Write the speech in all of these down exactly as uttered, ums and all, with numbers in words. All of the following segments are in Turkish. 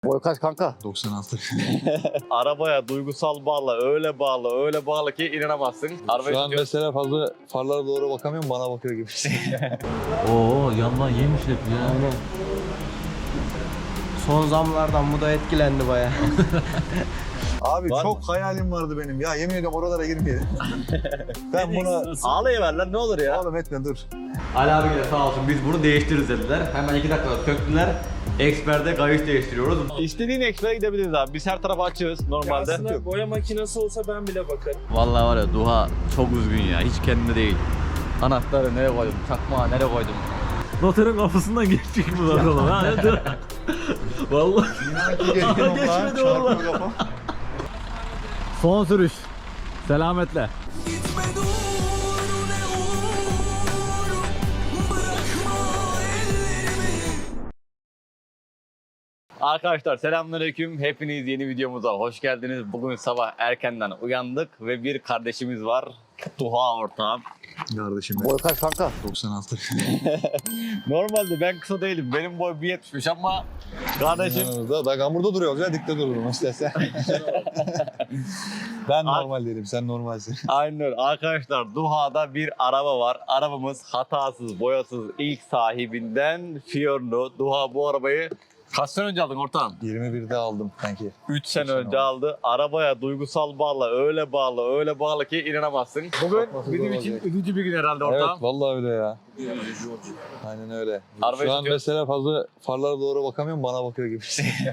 Boy kaç kanka? doksan altı. Arabaya duygusal bağlı, öyle bağlı, öyle bağlı ki inanamazsın. Arabayı Şu an tutuyor. mesela fazla farlara doğru bakamıyorum, bana bakıyor gibi. Oo yandan yemiş hep ya. Aynen. Son zamlardan bu da etkilendi bayağı. Abi Var çok mı? hayalim vardı benim. Ya yemin ediyorum oralara girmeyelim. Ben bunu... Ağlayıver lan ne olur ya. Oğlum etme dur. Ali abiyle sağ olsun biz bunu değiştiririz dediler. Hemen iki dakikada söktüler. Eksper'de kayış değiştiriyoruz. İstediğin ekspere gidebiliriz abi. Biz her tarafa açığız normalde. Aslında boya makinesi olsa ben bile bakarım. Vallahi var ya Duha çok üzgün ya. Hiç kendinde değil. Anahtarı nereye koydum? Çakmağı nereye koydum? Noterin kapısından geçecek mi lan oğlum? Ha, dur. Vallahi. Geçmedi vallahi. Son sürüş. Selametle. Arkadaşlar selamünaleyküm. Hepiniz yeni videomuza hoş geldiniz. Bugün sabah erkenden uyandık ve bir kardeşimiz var. Duha ortağım. Kardeşim Boy kaç kanka? doksan altı. Normalde ben kısa değilim. Benim boy bir yetmiş ama kardeşim Yanımızda. Ben hamurda duruyoruz ya, dikte dururum istersen. Ben normal değilim, sen normalsin. aynen öyle. Arkadaşlar Duha'da bir araba var. Arabamız hatasız, boyasız, ilk sahibinden Fiorino. Duha bu arabayı kaç sene önce aldın ortağım? yirmi birde aldım sanki. üç sene sene önce oldu. aldı. Arabaya duygusal bağlı, öyle bağlı, öyle bağlı ki inanamazsın. Bugün Bakması bizim zor için olacak. üzücü bir gün herhalde ortağım. Evet, vallahi öyle ya. Aynen öyle. Arabayı Şu an tutuyor. mesela fazla farlara doğru bakamıyorum, bana bakıyor gibi.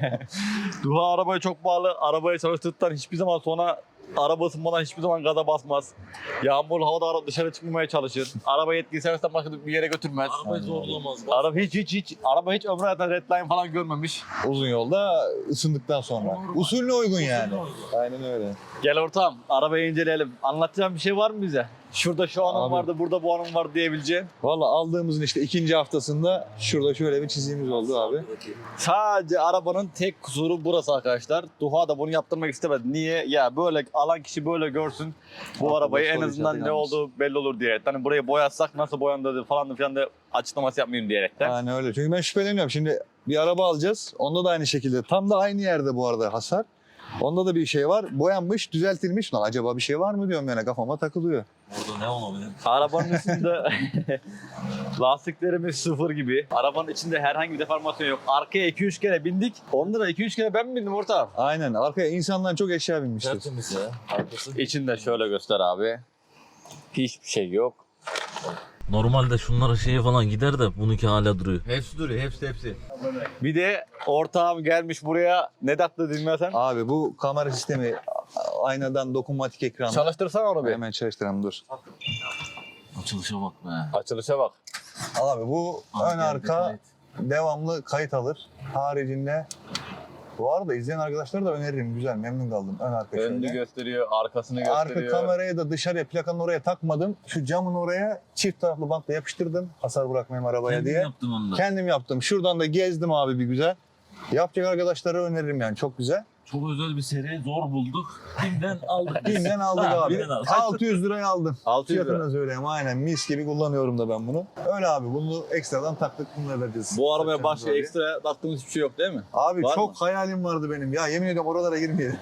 Duha arabaya çok bağlı. Arabayı çalıştırdıktan hiçbir zaman sonra araba ısınmadan hiçbir zaman gaza basmaz. Yağmur havada ara- dışarı çıkmamaya çalışır. Arabayı etkili servisten başka bir yere götürmez. Arabayı zorlamaz. Araba hiç hiç hiç araba hiç ömrü hayatında redline falan görmemiş. Uzun yolda ısındıktan sonra. Usulüne uygun yani. Aynen öyle. Gel ortağım arabayı inceleyelim. Anlatacağım bir şey var mı bize? Şurada şu anım Abi. vardı, burada bu anım var diyebileceğin. Valla aldığımızın işte ikinci haftasında şurada şöyle bir çizimimiz oldu abi. Sadece arabanın tek kusuru burası arkadaşlar. Duha da bunu yaptırmak istemedi. Niye? Ya böyle alan kişi böyle görsün. Bu Aklı arabayı boş en soru azından işareti ne kalmış. olduğu belli olur diye. Hani burayı boyatsak nasıl boyandı falan filan da açıklaması yapmayayım diyerekten. Yani öyle. Çünkü ben şüpheleniyorum. Şimdi bir araba alacağız. Onda da aynı şekilde. Tam da aynı yerde bu arada hasar. Onda da bir şey var. Boyanmış, düzeltilmiş. Lan acaba bir şey var mı diyorum yani, kafama takılıyor. Orada ne olabilir? Arabanın üstünde lastiklerimiz sıfır gibi. Arabanın içinde herhangi bir deformasyon yok. Arkaya iki üç kere bindik. Onda da iki üç kere ben mi bindim ortağım? Aynen. Arkaya insandan çok eşya binmiştir. Tertemiz ya. Arkası. İçinde şöyle göster abi. Hiçbir şey yok. Normalde şunlara şeye falan gider de bununki hala duruyor. Hepsi duruyor, hepsi hepsi. Bir de ortağım gelmiş buraya. Ne taktı dinlesen? Abi bu kamera sistemi aynadan dokunmatik ekran. Çalıştırsana onu bir. Hemen çalıştıralım dur. Açılışa bak be. Açılışa bak. Abi bu ön arka devamlı kayıt alır. Haricinde bu arada izleyen arkadaşlara da öneririm. Güzel, memnun kaldım. Ön arka Önünü şöyle. gösteriyor, arkasını Arka gösteriyor. kamerayı da dışarıya, plakanın oraya takmadım. Şu camın oraya çift taraflı bantla yapıştırdım. Hasar bırakmayayım arabaya Kendim diye. yaptım onu da. Kendim yaptım. Şuradan da gezdim abi bir güzel. Yapacak arkadaşlara öneririm yani, çok güzel. Çok özel bir seri, zor bulduk. Kimden aldık? Binden aldık Ha, abi. binden aldık. altı yüz liraya aldım. altı yüz lira. Fiyatını söyleyeyim, aynen mis gibi kullanıyorum da ben bunu. Öyle abi, bunu ekstradan taktık, bununla vereceğiz. Bu arabaya Takacağımız başka oraya. ekstra taktığımız hiçbir şey yok değil mi? Abi Var çok mı? hayalim vardı benim. Ya yemin ediyorum oralara girmeyelim.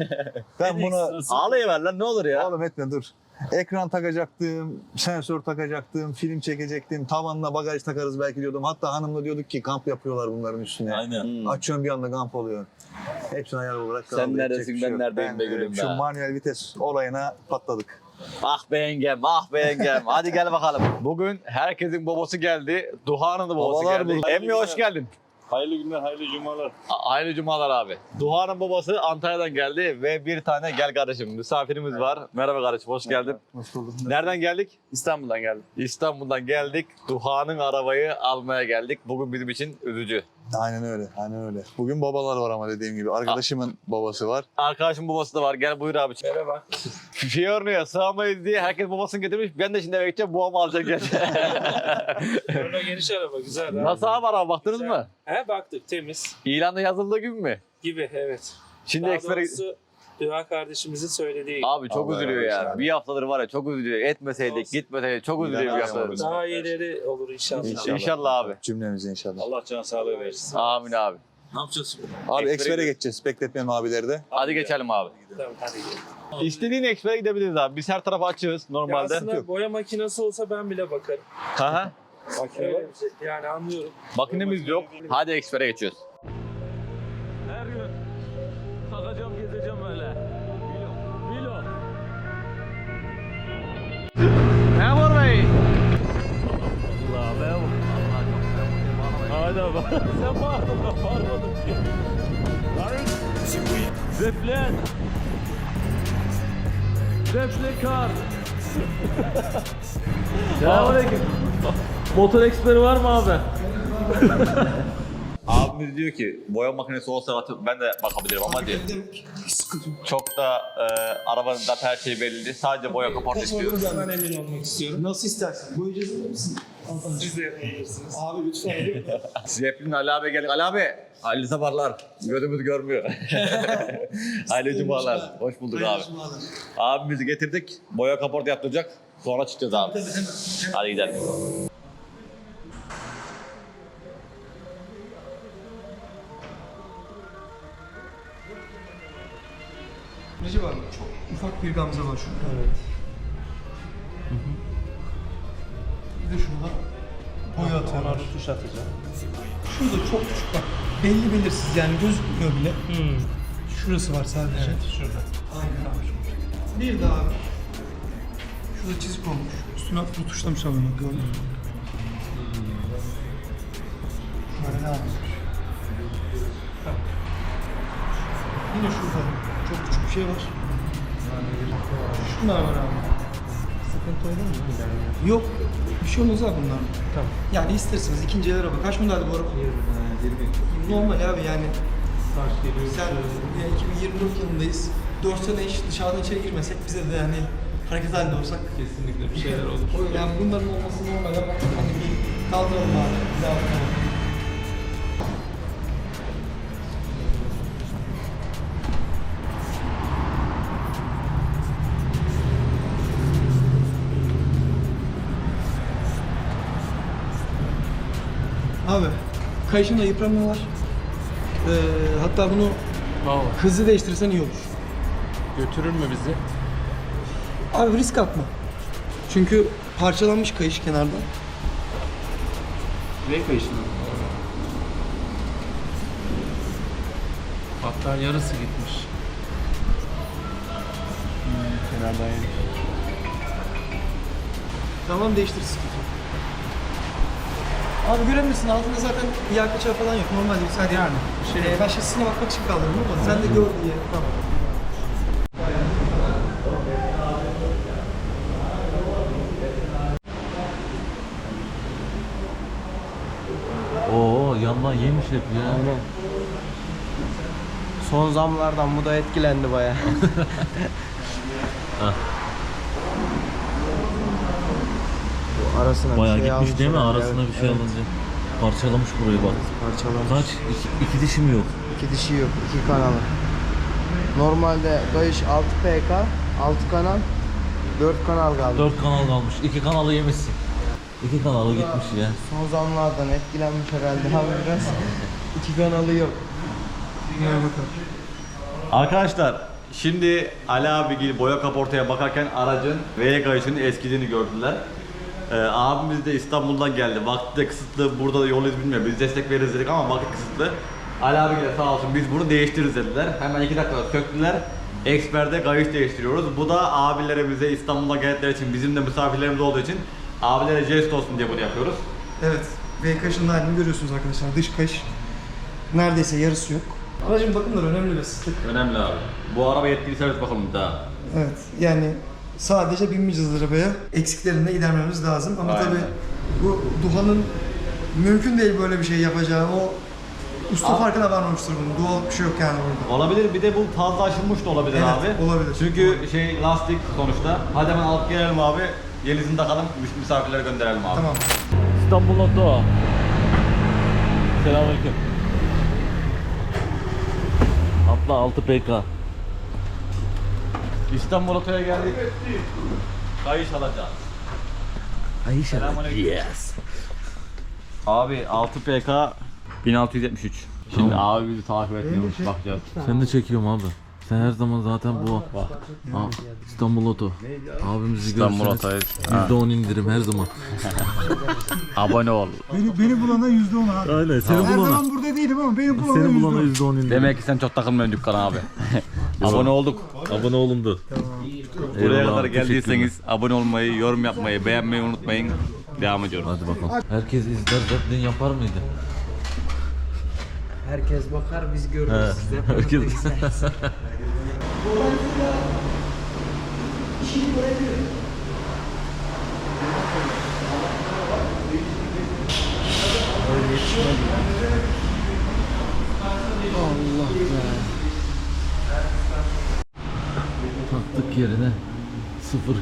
Ben bunu... Ağlayıver lan ne olur ya. Oğlum etme dur. Ekran takacaktım, sensör takacaktım, film çekecektim, tavanla bagaj takarız belki diyordum. Hatta hanımla diyorduk ki kamp yapıyorlar bunların üstüne. Aynen. Hmm. Açıyorum bir anda kamp oluyor. Hepsini hayal olarak kaldı. Sen Yapacak neredesin, bir şey ben yok. neredeyim be gülüm Şu be. manuel vites olayına patladık. Ah be yengem, ah be yengem. Hadi gel bakalım. Bugün herkesin babası geldi. Duha'nın da babası Babalar geldi. burada. Emmi hoş geldin. Hayırlı günler, hayırlı cumalar. A- Hayırlı cumalar abi. Duha'nın babası Antalya'dan geldi ve bir tane gel kardeşim misafirimiz var. Merhaba kardeşim, hoş geldin. Hoş bulduk. Nereden geldik? İstanbul'dan geldim. İstanbul'dan geldik. Duha'nın arabayı almaya geldik. Bugün bizim için üzücü. Aynen öyle, aynen öyle. Bugün babalar var ama dediğim gibi. Arkadaşımın babası var. Arkadaşım babası da var. Gel buyur abi. Merhaba. Fiorino'ya sığamayız diye herkes babasını getirmiş. Ben de şimdi eve gideceğim. Babamı alacak gelecek. Sonra geniş araba, güzel. abi. Nasıl abi araba baktınız Güzel. mı? He baktık, temiz İlanda yazıldığı gibi mi? gibi, evet. Şimdi Daha ekspere... doğrusu Düha kardeşimizin söylediği gibi. Abi çok Allah üzülüyor razı ya. olsun abi. Bir haftadır var ya çok üzülüyor. Etmeseydik, Olsun. gitmeseydik çok üzülüyor bir İnanamıyorum haftadır. abi. Daha iyileri olur inşallah. İnşallah. İnşallah abi. Cümlemize inşallah. Allah can sağlığı versin. Amin abi. Ne yapacağız şimdi? Abi Ekspere ekspere geçeceğiz. Bekletmeyelim abileri de. Hadi geçelim abi. Tamam hadi gidelim. İstediğin ekspere gidebiliriz abi. Biz her tarafa açığız Ya normalde. aslında boya makinesi olsa ben bile bakarım. Hı hı. Öyle bir şey. Yani anlıyorum. Makinemiz yok. Hadi ekspere geçiyoruz. Her gün takacağım gezeceğim böyle. Bilo. Bilo. Memur Bey. Allah be. Hadi abi. Sen bağırdın ben bağırmadım ki. Zeplen. Zeplekar. Selamünaleyküm. Motor eksperi var mı abi? Abimiz diyor ki boya makinesi olsa atıp ben de bakabilirim ama diyor. Çok da e, arabanın da her şey belli. Sadece boya kaporta istiyoruz. Ben emin olmak istiyorum. Nasıl istersin? Boyayacağız mı misin? Siz de yapabilirsiniz. Abi lütfen. Zeplin Ali abi geldik. Ali abi. Hayırlı sabahlar. Gözümüz görmüyor. Hayırlı cumalar. Hoş bulduk abi. Abimizi getirdik. Boya kaporta yaptıracak. Sonra çıkacağız abi. Hadi gidelim. Recep abi çok ufak bir gamze var şurada. Evet. Bir de şurada boya atıyorlar. Tuş atacağım. Şurada çok küçük bak. Belli belirsiz yani gözükmüyor bile. Şurası var sadece. Evet şurada. Aynen abi. Bir daha abi. Şurada çizik olmuş. Üstüne hafif tuşlamışlar bunu gördün mü? Şöyle ne yapmış? Yine şurada çok küçük bir şey var. Şunlar var abi. Sıkıntı olur mu? Yok. Bir şey olmaz abi bunlar. Tamam. Yani isterseniz ikinci el araba. Kaç modelde bu araba? Normal abi yani. Sen ya iki bin yirmi dört yılındayız. dört sene hiç dışarıdan içeri girmesek bize de yani hareket halinde olsak. Kesinlikle bir şeyler olur. O yani bunların olması normal ama hani bir kaldıralım abi. Bir daha bakalım. Abi, kayışında yıpranma var. Ee, hatta bunu hızlı değiştirirsen iyi olur. Götürür mü bizi? Abi risk atma. Çünkü parçalanmış kayış kenarda. Ne kayışın? Hatta yarısı gitmiş. Hmm, kenardan yemiş. Tamam değiştir sıkıntı yok. Abi görebilirsin altında zaten yağ kaçağı falan yok. Normal değil sadece yani. Şey, ee, ben şasisine bakmak için kaldırdım ama sen de gör diye. Tamam. Oo yandan yemiş hep ya. Aynen. Son zamlardan bu da etkilendi baya. Arasına Bayağı bir şey gitmiş almış değil mi? herhalde. Arasına Evet, bir şey evet. alınca. Parçalamış burayı bak. Parçalamış. Kaç? İki, iki dişi mi yok? İki dişi yok, iki kanalı. Normalde kayış altı P K, altı kanal, dört kanal kaldı. Dört kanal kalmış. İki kanalı yemişsin. İki kanalı gitmiş ya. Son zamlardan etkilenmiş herhalde abi biraz. İki kanalı yok. Dinleyelim bakalım. Arkadaşlar şimdi Ali abi boya kaportaya bakarken aracın V kayışının eskidiğini gördüler. Ee, abimiz de İstanbul'dan geldi. Vakti de kısıtlı. Burada da yol iz bilmiyor. Biz destek veririz dedik ama vakit kısıtlı. Ali abi de sağ olsun biz bunu değiştiririz dediler. Hemen iki dakikada söktüler. Eksper'de kayış değiştiriyoruz. Bu da abilere bize İstanbul'dan geldikleri için bizim de misafirlerimiz olduğu için abilere jest olsun diye bunu yapıyoruz. Evet. V kayışının halini görüyorsunuz arkadaşlar. Dış kayış neredeyse yarısı yok. Aracın bakımları önemli ve sıklık. Önemli abi. Bu araba yetkili servis bakalım daha. Evet. Yani sadece binmeyeceğiz arabaya. Eksiklerini de gidermemiz lazım. Ama Aynen. tabii bu Duhan'ın mümkün değil böyle bir şey yapacağı. O usta Abi- farkına varmamıştır bunun. Doğal bir şey yok yani burada. Olabilir. Bir de bu fazla aşılmış da olabilir Evet, abi. olabilir. Çünkü şey lastik sonuçta. Hadi hemen alıp gelelim abi. Yenisini takalım. Misafirlere gönderelim abi. Tamam. İstanbul Oto. Selamünaleyküm. Atla altı P K. İstanbul Oto'ya geldik. Kayış alacağız. Ayşe. Selamünaleyküm. Yes. Abi altı P K bin altı yüz yetmiş üç. Şimdi Tamam. abi bizi takip etmiyormuş, bakacağız. Sen de çekiyorum abi. Sen her zaman zaten bu Ha, İstanbul Oto. Abimizi İstanbul görseniz Oto'yu. yüzde on indirim her zaman. Abone ol. Beni, beni bulana yüzde on abi. Aynen seni Her bulana. zaman burada değilim ama beni bulana Seni yüzde bulana on. yüzde on indirim. Demek ki sen çok takılmıyorsun dükkana abi. Abone olduk. Abone olundu. Buraya Eyvallah, kadar teşekkürler. geldiyseniz abone olmayı, yorum yapmayı, beğenmeyi unutmayın. Devam ediyorum. Hadi bakalım. Herkes izler zaten yapar mıydı? Herkes bakar biz He, görürüz. Siz de herkes. Allah be. Taktık yerine sıfır.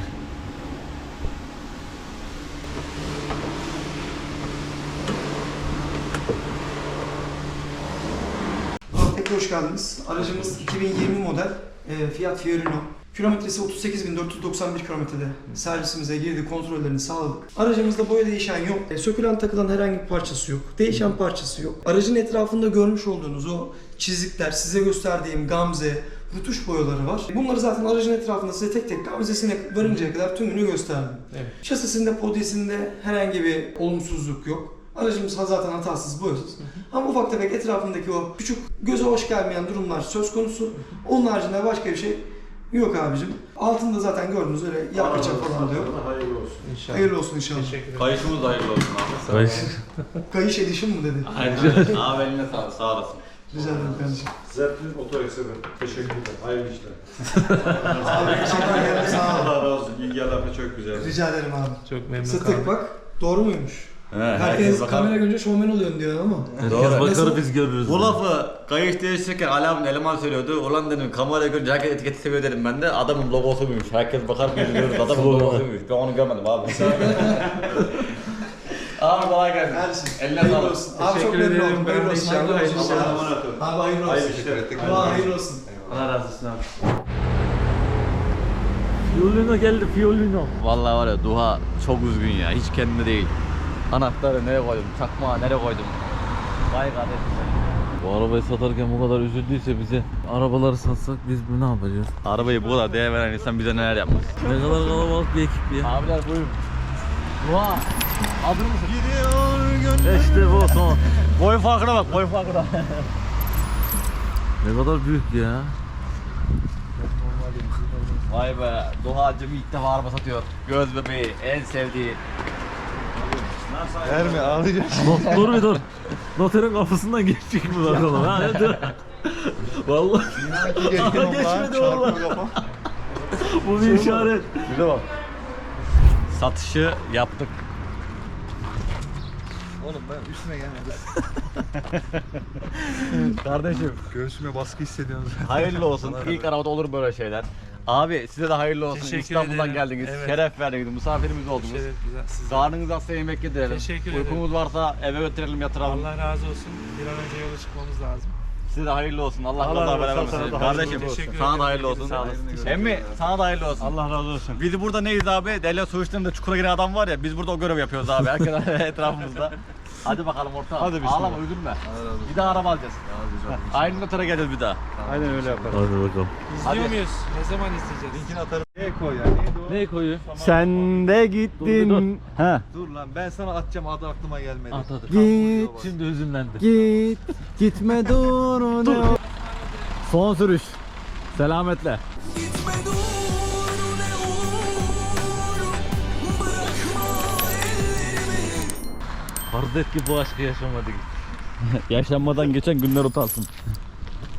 Tekrar hoş geldiniz. Aracımız iki bin yirmi model e, Fiat Fiorino. Kilometresi otuz sekiz bin dört yüz doksan bir kilometrede servisimize girdi, kontrollerini sağladık. Aracımızda boya değişen yok, e, sökülen takılan herhangi bir parçası yok, değişen parçası yok. Aracın etrafında görmüş olduğunuz o çizikler, size gösterdiğim gamze, rutuş boyaları var. Bunları zaten aracın etrafında size tek tek gamzesine varıncaya kadar tümünü gösterdim. Evet. Şasisinde, podyesinde herhangi bir olumsuzluk yok. Aracımız zaten hatasız, boyasız. Ama ufak tefek etrafındaki o küçük, göze hoş gelmeyen durumlar söz konusu. Onun haricinde başka bir şey yok abicim. Altında zaten gördüğünüz öyle yak kaçak falan da yok. Hayırlı olsun. İnşallah. Hayırlı olsun inşallah. Teşekkür ederim. Kayışımız da hayırlı olsun abi. Kaç? Kayış edişim mi dedi? Aynen. Abi eline sağlık, sağ olasın. Rica ederim kardeşim. Zertin oto ekseri. Teşekkürler. Hayırlı işler. Abi teşekkür ederim, sağ ol. Allah razı olsun. İlgi alaka çok güzel. Rica ederim abi. Çok memnun Sıtık kaldım. bak. Doğru muymuş? He, Herkes kamera görünce şovmen oluyorsun diyor ama. Herkes Doğru. bakar Nasıl? biz görürüz. Bu lafı kayış değiştirirken Ali abinin eleman söylüyordu. Ulan dedim kameraya görünce herkes etiketi seviyor dedim ben de. Adamın logosuymuş. Herkes bakar biz görürüz. Adamın logosuymuş. Ben onu görmedim abi. Abi kolay gelsin. Kardeşim. Eline Hayırlı sağlık. olsun. Abi çok Teşekkür memnun ederim. oldum. Ben Hayırlı de olsun. inşallah Hayırlı olsun. hayırlı Abi olsun. Abi hayırlı olsun. Hayırlı işler ettik. Allah hayırlı olsun. Allah razı olsun abi. Fiolino geldi Fiolino. Vallahi var ya Duha çok üzgün ya. Hiç kendine değil. Anahtarı nereye koydum? Çakmağı nereye koydum? Vay kardeşim. Bu arabayı satarken bu kadar üzüldüyse bize arabaları satsak biz bu ne yapacağız? Arabayı bu kadar değer veren insan bize neler yapmaz. Ne kadar kalabalık bir ekip ya. Abiler buyurun. Duha. Hazır mısın? İşte bu son. Boy farkına bak, boy farkına. Ne kadar büyük ya. Vay be, Duha'cım ilk defa araba satıyor. Göz bebeği, en sevdiği. Verme ağlayacak. Not, dur bir dur. Noterin kapısından geçecek mi bakalım ha? Dur. Vallahi geçmedi vallahi. Bu bir işaret. Bir de bak. Satışı yaptık. Oğlum ben üstüne gelmedim. Kardeşim, Göğsüme baskı hissediyorum. hayırlı olsun. İlk arabada olur böyle şeyler. Abi size de hayırlı olsun. Teşekkür İstanbul'dan ederim. geldiniz. Evet. Şeref verdiniz. Misafirimiz oldunuz. Evet, güzel. Siz de. Karnınız açsa yemek yedirelim. Teşekkür ederim. Uykumuz varsa eve götürelim, yatıralım. Allah razı olsun. Bir an önce yola çıkmamız lazım. Size de hayırlı olsun. Allah Allah Allah razı beraber olsun. versin. Sana da hayırlı Kardeşim olsun. Teşekkür sana da ederim. hayırlı olsun. Sağ olasın. Teşekkür Emmi sana da hayırlı olsun. Allah razı olsun. Biz burada neyiz abi? Derya su içtiğinde çukura giren adam var ya, biz burada o görev yapıyoruz abi. Herkes etrafımızda. Hadi bakalım orta. Hadi Ağlama, üzülme. Bir daha araba alacağız. Aynı notere geleceğiz bir daha. Aynen öyle yaparım. Hadi bakalım. İzliyor muyuz? Ne zaman izleyeceğiz? Linkini atarım. Neye koy ya? Neydi o? Ne koyuyor? Sen de gittin. He. Dur lan ben sana atacağım adı aklıma gelmedi. At hadi. Git, Şimdi hüzünlendi. git, gitme dur. Dur. Son sürüş. Selametle. Farz et ki bu aşkı yaşamadık. Yaşanmadan geçen günler utansın.